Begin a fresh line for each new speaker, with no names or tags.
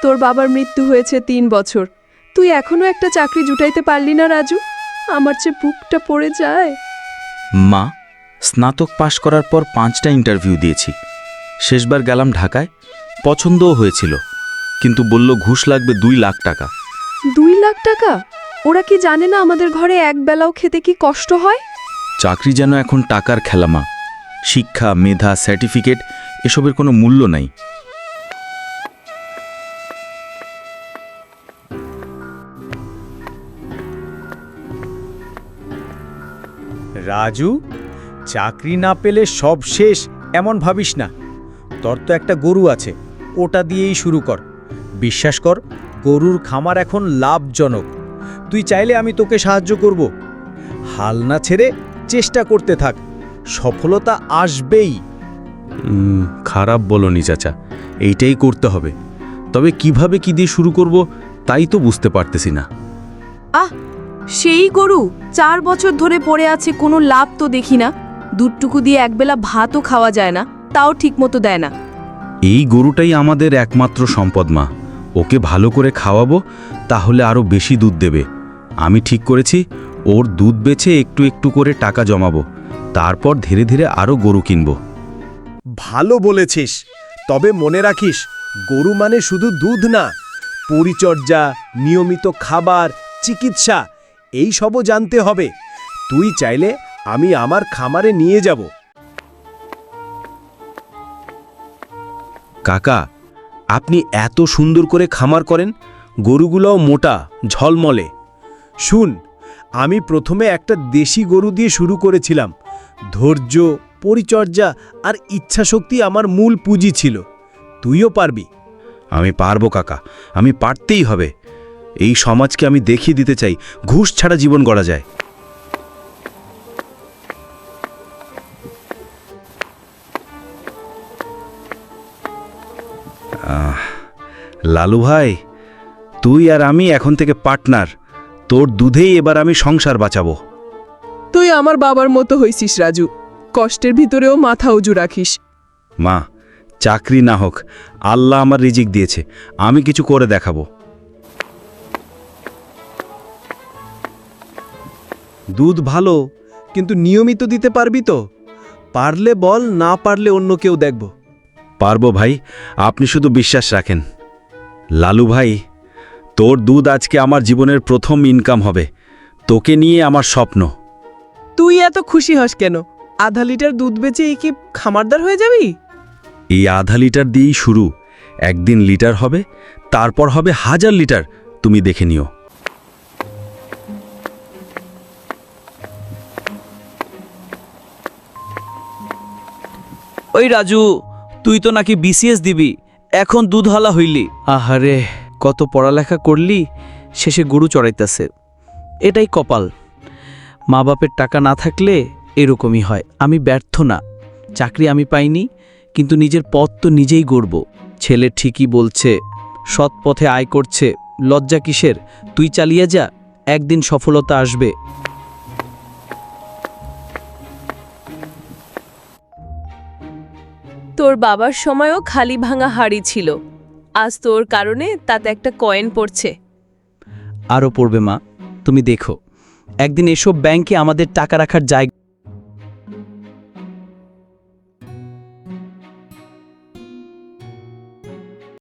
তোর বাবার মৃত্যু হয়েছে ৩ বছর, তুই এখনো একটা চাকরি জুটাইতে পারলি না রাজু। আমার চেয়ে বুকটা পড়ে যায়।
মা, স্নাতক পাশ করার পর 5টা ইন্টারভিউ দিয়েছি। শেষবার গেলাম ঢাকায়, পছন্দও হয়েছিল, কিন্তু বলল ঘুষ লাগবে 2 লাখ টাকা।
2 লাখ টাকা? ওরা কি জানে না আমাদের ঘরে এক বেলাও খেতে কি কষ্ট হয়?
চাকরি যেন এখন টাকার খেলা মা। শিক্ষা, মেধা, সার্টিফিকেট এসবের কোনো মূল্য নাই।
রাজু, চাকরি না পেলে সব শেষ এমন ভাবিস না। তোর তো একটা গরু আছে, ওটা দিয়েই শুরু কর। বিশ্বাস কর, গরুর খামার এখন লাভজনক। তুই চাইলে আমি তোকে সাহায্য করব। হাল না ছেড়ে চেষ্টা করতে থাক, সফলতা আসবেই।
খারাপ বলনি চাচা, এইটাই করতে হবে। তবে কিভাবে কি দিয়ে শুরু করব তাই তো বুঝতে পারতেছি না।
সেই গরু 4 বছর ধরে পড়ে আছে, কোনো লাভ তো দেখি না। দুধটুকু দিয়ে একবেলা ভাতও খাওয়া যায় না, তাও ঠিকমতো দেয় না।
এই গরুটাই আমাদের একমাত্র সম্পদ মা। ওকে ভালো করে খাওয়াবো, তাহলে আরও বেশি দুধ দেবে। আমি ঠিক করেছি, ওর দুধ বেচে একটু একটু করে টাকা জমাবো, তারপর ধীরে ধীরে আরও গরু কিনব।
ভালো বলেছিস, তবে মনে রাখিস, গরু মানে শুধু দুধ না, পরিচর্যা, নিয়মিত খাবার, চিকিৎসা এই সবও জানতে হবে। তুই চাইলে আমি আমার খামারে নিয়ে যাব।
কাকা, আপনি এত সুন্দর করে খামার করেন, গরুগুলোও মোটা, ঝলমলে।
শুন, আমি প্রথমে একটা দেশি গরু দিয়ে শুরু করেছিলাম। ধৈর্য, পরিচর্যা আর ইচ্ছাশক্তি আমার মূল পুঁজি ছিল। তুইও পারবি।
আমি পারবো কাকা, আমি পারতেই হবে। এই সমাজকে আমি দেখিয়ে দিতে চাই ঘুষ ছাড়া জীবন গড়া যায়। লালু ভাই, তুই আর আমি এখন থেকে পার্টনার। তোর দুধেই এবার আমি সংসার বাঁচাবো।
তুই আমার বাবার মতো হইছিস রাজু, কষ্টের ভিতরেও মাথা উঁচু রাখিস।
মা, চাকরি না হোক, আল্লাহ আমার রিজিক দিয়েছে, আমি কিছু করে দেখাবো।
দুধ ভালো, কিন্তু নিয়মিত দিতে পারবি তো? পারলে বল, না পারলে অন্য কেউ দেখব।
পারবো ভাই, আপনি শুধু বিশ্বাস রাখেন। লালু ভাই, তোর দুধ আজকে আমার জীবনের প্রথম ইনকাম হবে। তোকে নিয়ে আমার স্বপ্ন।
তুই এত খুশি হস কেন? আধা লিটার দুধ বেচে এই কি খামারদার হয়ে যাবি?
এই আধা লিটার দিয়েই শুরু, একদিন লিটার হবে, তারপর হবে 1000 লিটার। তুমি দেখে নিও।
ওই রাজু, তুই তো নাকি বিসিএস দিবি, এখন দুধওয়ালা হইলি। আহারে, কত পড়ালেখা করলি, শেষে গরু চড়াইতেছে। এটাই কপাল। মা বাপের টাকা না থাকলে এরকমই হয়। আমি ব্যর্থ না, চাকরি আমি পাইনি, কিন্তু নিজের পথ তো নিজেই গড়ব। ছেলে ঠিকই বলছে, সৎ পথে আয় করছে, লজ্জা কিসের? তুই চালিয়ে যা, একদিন সফলতা আসবে।
তোর বাবার সময়ও খালি ভাঙা হাড়ি ছিল, আজ তোর কারণে তাতে একটা কয়েন পড়ছে।
আরও পড়বে মা, তুমি দেখো, একদিন এসব ব্যাংকে আমাদের টাকা রাখার জায়গা